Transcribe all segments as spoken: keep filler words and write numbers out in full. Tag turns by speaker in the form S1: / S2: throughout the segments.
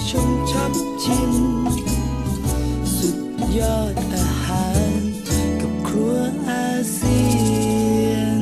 S1: ชมชับชิมสุดยอดอาหารกับครัวอาเซียน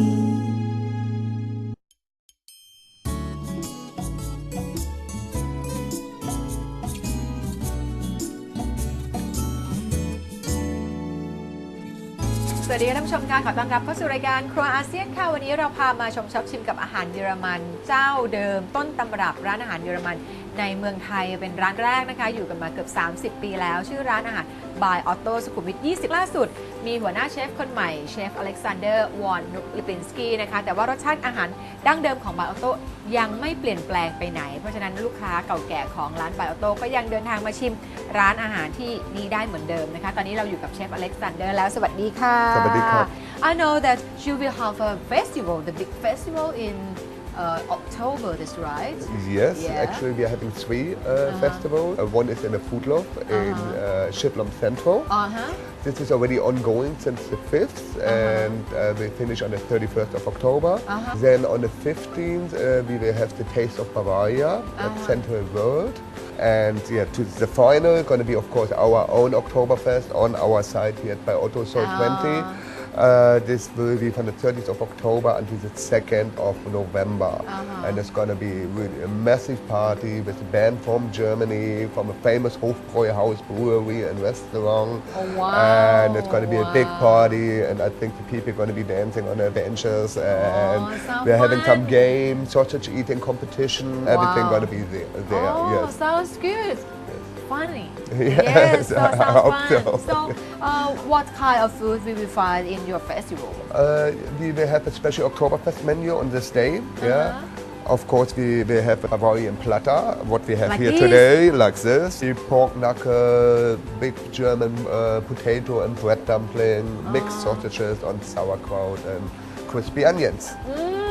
S2: สวัสดีท่านผู้ชมค่ะขอต้อนรับเข้าสู่รายการครัวอาเซียนค่ะวันนี้เราพามาชมช็อปชิมกับอาหารเยอรมันเจ้าเดิมต้นตำรับร้านอาหารเยอรมันในเมืองไทยเป็นร้านแรกนะคะอยู่กันมาเกือบสามสิบปีแล้วชื่อร้านอาหารบายออโต้สุขุมวิทยี่สิบล่าสุดมีหัวหน้าเชฟคนใหม่เชฟอเล็กซานเดอร์วอนนุลิปินสกี้นะคะแต่ว่ารสชาติอาหารดั้งเดิมของบายออโต้ยังไม่เปลี่ยนแปลงไปไหนเพราะฉะนั้นลูกค้าเก่าแก่ของร้านบายออโต้ก็ยังเดินทางมาชิมร้านอาหารที่นี้ได้เหมือนเดิมนะคะตอนนี้เราอยู่กับเชฟอเล็กซานเดอร์แล้วสวัสดีค่ะ
S3: สวัสดีครับ
S2: I know that you will have a festival the big festival in Uh, October, that's right?
S3: Yes,
S2: yeah.
S3: actually we are having three uh,
S2: uh-huh.
S3: festivals. Uh, one is in the Foodlof in uh-huh. uh, Schiphol Central.
S2: Uh-huh.
S3: This is already ongoing since the fifth uh-huh. and uh, we finish on the thirty-first of October. Uh-huh. Then on the fifteenth uh, we will have the Taste of Bavaria uh-huh. at Central World. And yeah, to the final, going to be of course our own Oktoberfest on our side here at Bye Otto Soul uh-huh. twenty. Uh, this will be from the thirtieth of October until the second of November. Uh-huh. And it's going to be really a massive party with a band from Germany, from a famous Hofbräuhaus brewery and restaurant.
S2: Oh, wow.
S3: And it's going to be wow. a big party, and I think the people are going to be dancing on their benches, and
S2: oh,
S3: we're
S2: fun.
S3: having some games, sausage eating competition, wow. everything going to be there. there
S2: oh,
S3: yes.
S2: sounds good. Funny.
S3: Yes,
S2: yes so
S3: I
S2: sounds
S3: hope
S2: fun.
S3: so.
S2: So, uh, what kind of food we will find in your festival?
S3: Uh, we will have a special Oktoberfest menu on this day. Uh-huh. Yeah. Of course, we will have a Bavarian platter, what we have
S2: like
S3: here
S2: this?
S3: today, like this. The pork knuckle, big German uh, potato and bread dumpling, oh. mixed sausages on sauerkraut and crispy onions.
S2: Mm.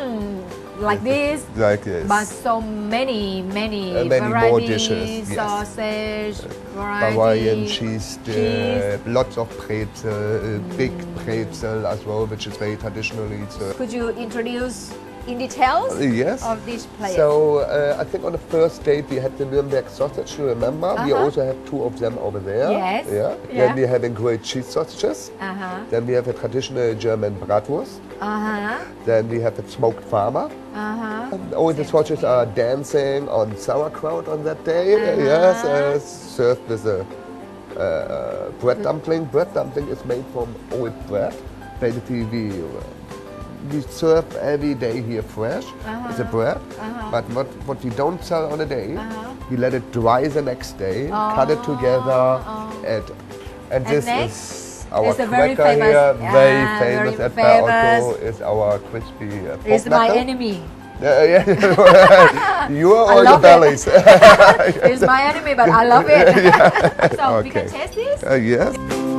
S2: Like this,
S3: like this,
S2: but so many, many,
S3: uh, many
S2: varieties,
S3: more dishes.
S2: Sausage,
S3: yes.
S2: variety,
S3: Bavarian cheese dip,
S2: cheese.
S3: lots of pretzel, mm. big pretzel as well, which is very traditionally served.
S2: Could you introduce in details
S3: uh, yes.
S2: of this plate?
S3: So uh, I think on the first date we had the Nuremberg sausage. You remember? Uh-huh. We also have two of them over there.
S2: Yes.
S3: Yeah.
S2: yeah.
S3: Then we're having grilled cheese sausages.
S2: Uh-huh.
S3: Then we have a traditional German bratwurst.
S2: Uh-huh.
S3: Then we have a smoked farmer.
S2: Uh-huh.
S3: And all the sausages are dancing on sauerkraut on that day. Uh-huh. Yes, uh, served with a uh, bread dumpling. Bread dumpling is made from old bread. Basically, we, we serve every day here fresh uh-huh. with the bread. Uh-huh. But what, what we don't sell on a day, uh-huh. we let it dry the next day, oh. cut it together, oh. add, and, and this next? is our
S2: it's
S3: cracker
S2: very famous,
S3: here,
S2: yeah,
S3: very famous
S2: very
S3: at
S2: famous.
S3: Bye Otto, is our crispy uh, pork
S2: It's my
S3: knuckle.
S2: enemy.
S3: Yeah, yeah. You are all the bellies.
S2: It. It's my enemy, but I love it.
S3: Yeah.
S2: So
S3: okay.
S2: we can taste this?
S3: Uh, yes.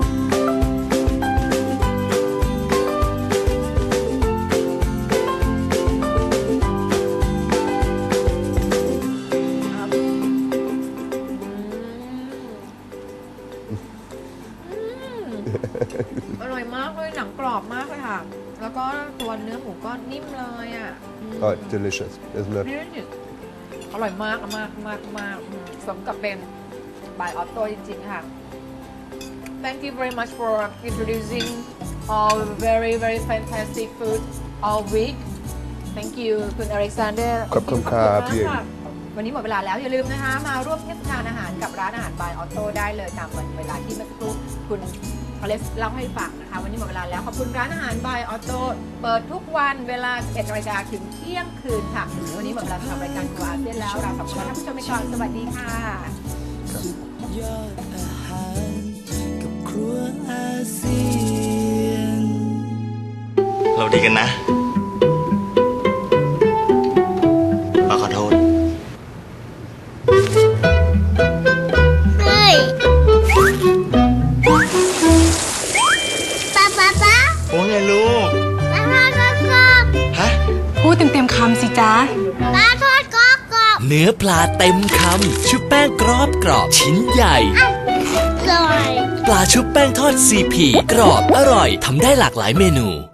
S2: Mm. อร่อยมากเลยหนังกรอบมากเลยค่ะแล้วก็ตัวเนื้อหมูก็นิ่มเลยอ่ะ
S3: Oh, delicious, isn't it?
S2: อร่อยมากมากมากมากสมกับเป็นบายออโต้จริงๆค่ะ Thank you very much for introducing all very very fantastic food all week Thank you คุณอเล็กซานเดอร์
S3: ขอบคุณครับพี่
S2: วันนี้หมดเวลาแล้วอย่าลืมนะคะมาร่วมเทศกาลอาหารกับร้านอาหารบายออโต้ได้เลยตามวันเวลาที่เมื่อสักครู่คุณอเล็กเล่าให้ฟังนะคะวันนี้หมดเวลาแล้วขอบคุณร้านอาหารบายออโต้เปิดทุกวันเวลา สิบเอ็ดนาฬิกาถึงเที่ยงคืนค่ะวันนี้หมดเวลาสำหรับรายการครัวอาเซียนแล้วเราสองคนท่านผู้ชมไปก่อนสวัสดีค่ะ
S1: สุดยอดอาหารกับครัวอาเซียน
S4: เราดีกันนะป้าขอโทษ
S5: เฮ้ยป้าป้าป้า
S4: ว่าไงลูก
S5: ป้าทอดกรอบกรอบ
S4: ฮะ
S6: พูดเต็มๆคำสิจ๊ะ
S5: ป้าทอดกรอบกรอบ
S7: เนื้อปลาเต็มคำชุบแป้งกรอบกรอบชิ้นใหญ่
S5: อร่อย
S7: ปลาชุบแป้งทอดซีพีกรอบอร่อยทำได้หลากหลายเมนู